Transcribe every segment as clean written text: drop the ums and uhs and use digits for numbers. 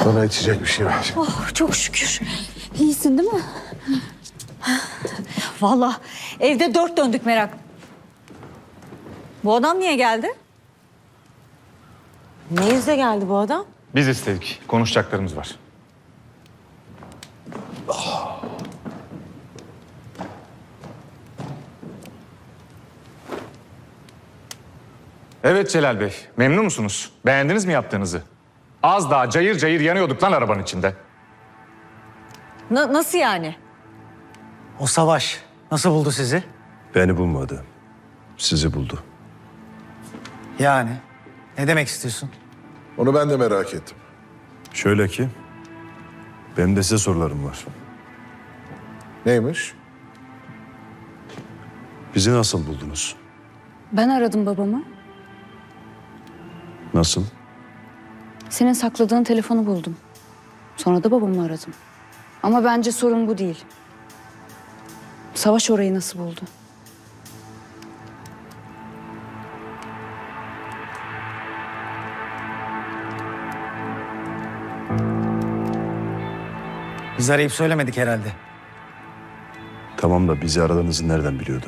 Bana içecek bir şey ver. Oh, çok şükür. İyisin değil mi? Vallahi evde dört döndük merak. Bu adam niye geldi? Ne yüzle geldi bu adam? Biz istedik. Konuşacaklarımız var. Evet Celal Bey, memnun musunuz? Beğendiniz mi yaptığınızı? Az daha cayır cayır yanıyorduk lan arabanın içinde. Nasıl yani? O Savaş nasıl buldu sizi? Beni bulmadı. Sizi buldu. Yani ne demek istiyorsun? Onu ben de merak ettim. Şöyle ki, benim de size sorularım var. Neymiş? Bizi nasıl buldunuz? Ben aradım babamı. Nasıl? Senin sakladığın telefonu buldum. Sonra da babamı aradım. Ama bence sorun bu değil. Savaş orayı nasıl buldu? Biz arayıp söylemedik herhalde. Tamam da bizi aradığınızı nereden biliyordu?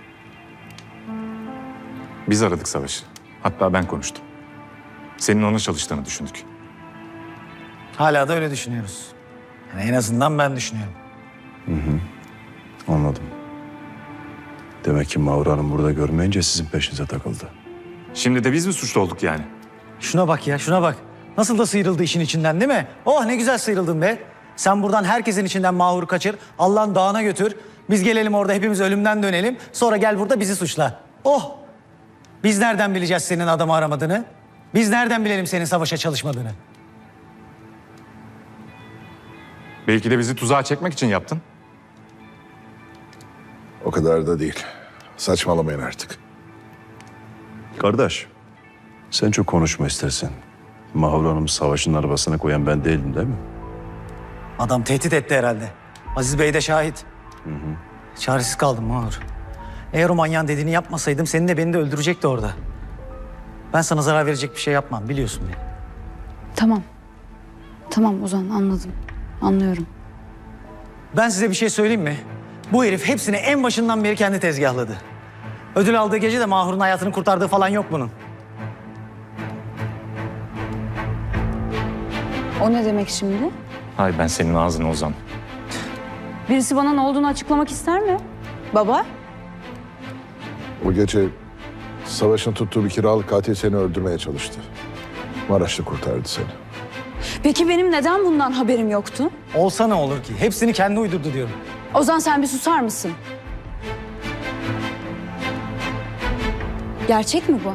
Biz aradık Savaş'ı. Hatta ben konuştum. Senin ona çalıştığını düşündük. Hala da öyle düşünüyoruz. Yani en azından ben düşünüyorum. Anladım. Demek ki Mahur Hanım burada görmeyince sizin peşinize takıldı. Şimdi de biz mi suçlu olduk yani? Şuna bak ya, şuna bak. Nasıl da sıyrıldı işin içinden değil mi? Oh ne güzel sıyrıldın be. Sen buradan herkesin içinden Mahur'u kaçır, Allah'ın dağına götür. Biz gelelim orada hepimiz ölümden dönelim. Sonra gel burada bizi suçla. Oh! Biz nereden bileceğiz senin adamı aramadığını? Biz nereden bilelim senin Savaş'a çalışmadığını? Belki de bizi tuzağa çekmek için yaptın. O kadar da değil. Saçmalamayın artık. Kardeş, sen çok konuşma istersen. Mahur Hanım'ı Savaş'ın arabasına koyan ben değildim değil mi? Adam tehdit etti herhalde. Aziz Bey de şahit. Çaresiz kaldım Mahur. Eğer o manyağın dediğini yapmasaydım seni de beni de öldürecekti orada. Ben sana zarar verecek bir şey yapmam biliyorsun beni. Tamam. Tamam Ozan anladım. Anlıyorum. Ben size bir şey söyleyeyim mi? Bu herif hepsini en başından beri kendi tezgahladı. Ödül aldığı gece de Mahur'un hayatını kurtardığı falan yok bunun. O ne demek şimdi? Hay ben senin ağzını Ozan. Birisi bana ne olduğunu açıklamak ister mi? Baba? O gece Savaş'ın tuttuğu bir kiralık katil seni öldürmeye çalıştı. Maraşlı kurtardı seni. Peki benim neden bundan haberim yoktu? Olsa ne olur ki? Hepsini kendi uydurdu diyorum. Ozan sen bir susar mısın? Gerçek mi bu?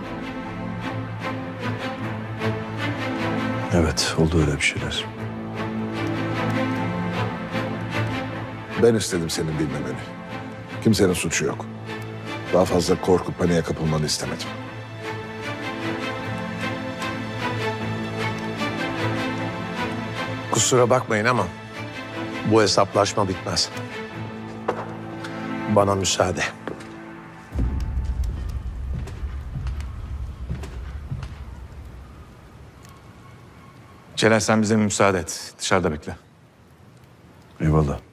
Evet, oldu öyle bir şeyler. Ben istedim senin bilmemeni. Kimsenin suçu yok. Daha fazla korku, paniğe kapılmanı istemedim. Kusura bakmayın ama bu hesaplaşma bitmez. Bana müsaade. Celal sen bize müsaade et. Dışarıda bekle. Eyvallah.